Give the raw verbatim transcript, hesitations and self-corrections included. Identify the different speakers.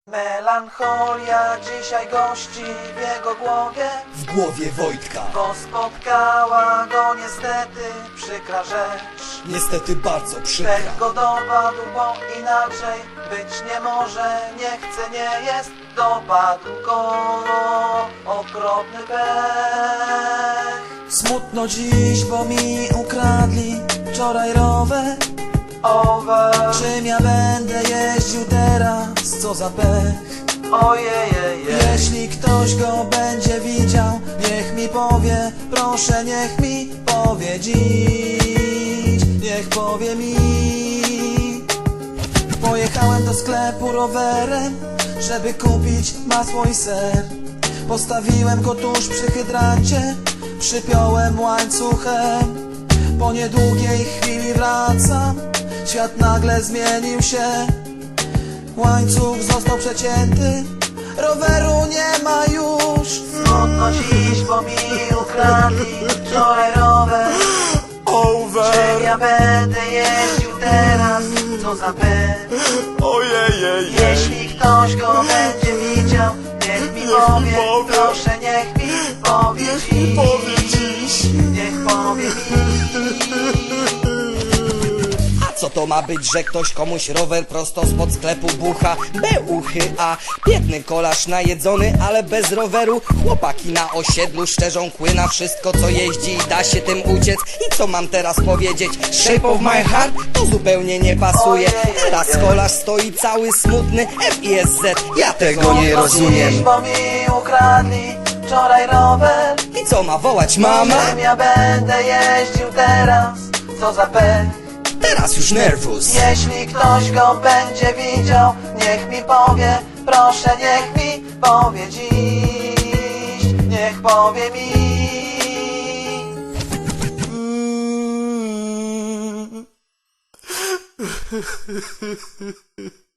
Speaker 1: Melancholia dzisiaj gości w jego głowie,
Speaker 2: w głowie Wojtka.
Speaker 1: bo spotkała go niestety przykra rzecz.
Speaker 2: Niestety bardzo przykra.
Speaker 1: Pech go dopadł, bo inaczej być nie może. Nie chce, nie jest, dopadł go okropny pech. Smutno dziś, bo mi ukradli wczoraj rower. Over. Czym ja będę jeździł teraz? Co za pech. Ojej, jeśli ktoś go będzie widział, niech mi powie, proszę, niech mi powie dziś, niech powie mi. Pojechałem do sklepu rowerem, żeby kupić masło i ser. Postawiłem go tuż przy hydrancie, przypiąłem łańcuchem. Po niedługiej chwili wracam, świat nagle zmienił się. Łańcuch został przecięty, roweru nie ma już. Smutno dziś, bo mi ukradli wczoraj rower.
Speaker 2: Over.
Speaker 1: Czym ja będę jeździł teraz? Co za pech.
Speaker 2: Ojej.
Speaker 1: Jeśli ktoś go będzie widział, niech mi powie, proszę, niech mi powie dziś,
Speaker 2: Powie dziś.
Speaker 1: niech powie mi.
Speaker 2: Co to ma być, że ktoś komuś rower prosto spod sklepu bucha? Beuchy, a biedny kolarz najedzony, ale bez roweru. Chłopaki na osiedlu szczerzą kły na wszystko, co jeździ i da się tym uciec. I co mam teraz powiedzieć? Shape of my heart? To zupełnie nie pasuje. Teraz kolarz stoi cały smutny, F I S Z. Ja tego nie rozumiem.
Speaker 1: Bo mi ukradli wczoraj rower.
Speaker 2: I co ma wołać mama?
Speaker 1: Czym ja będę jeździł teraz? Co za pech.
Speaker 2: Teraz już nerwus.
Speaker 1: Jeśli ktoś go będzie widział, niech mi powie, proszę, niech mi powie dziś, niech powie mi.